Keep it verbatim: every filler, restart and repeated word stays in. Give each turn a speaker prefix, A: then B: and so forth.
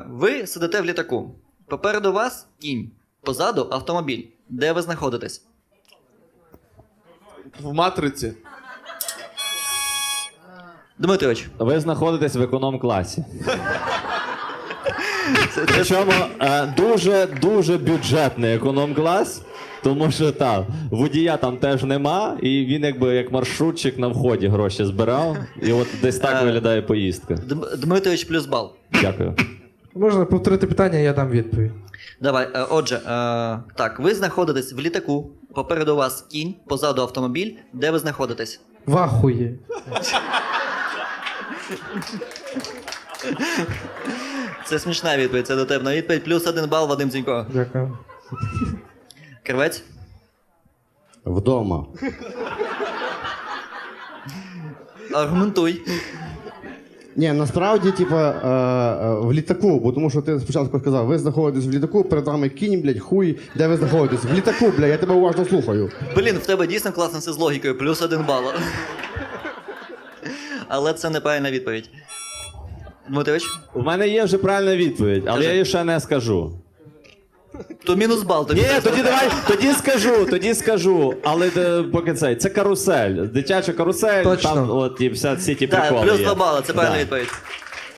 A: ви сидите в літаку. Попереду вас кінь, позаду автомобіль. Де ви знаходитесь?
B: В матриці.
A: Дмитрович.
C: Ви знаходитесь в економ-класі. Причому е, дуже-дуже бюджетний економ-клас, тому що там водія там теж нема, і він якби як маршрутчик на вході гроші збирав. І от десь так
A: Е,
C: виглядає поїздка.
A: Дм- Дмитрович плюс бал.
C: Дякую.
D: Можна повторити питання, я дам відповідь.
A: Давай, е, отже, е, так, ви знаходитесь в літаку, попереду вас кінь, позаду автомобіль. Де ви знаходитесь?
D: Вахує.
A: Це смішна відповідь, це дотепна відповідь. Плюс один бал, Вадим Дзінько.
D: Дякую.
A: Кривець?
E: Вдома.
A: Аргументуй.
E: Ні, насправді, типа, е, е, в літаку, бо тому що ти спочатку сказав, ви знаходитесь в літаку, перед вами кінь, блядь, хуй, де ви знаходитесь? В літаку, блядь, я тебе уважно слухаю.
A: Блін, в тебе дійсно класно все з логікою, плюс один бал. Але це неправильна відповідь. Дмитрович?
C: У мене є вже правильна відповідь, але
A: Кажи.
C: я її ще не скажу.
A: То мінус бал. Тобі
C: Ні,
A: треба.
C: тоді давай, тоді скажу, тоді скажу. Але е, поки цей, це карусель. Дитяча карусель,
D: Точно.
C: там от і вся, всі ті
A: Так,
C: приколи
A: плюс
C: є.
A: два бали, це правильна
C: Да.
A: відповідь.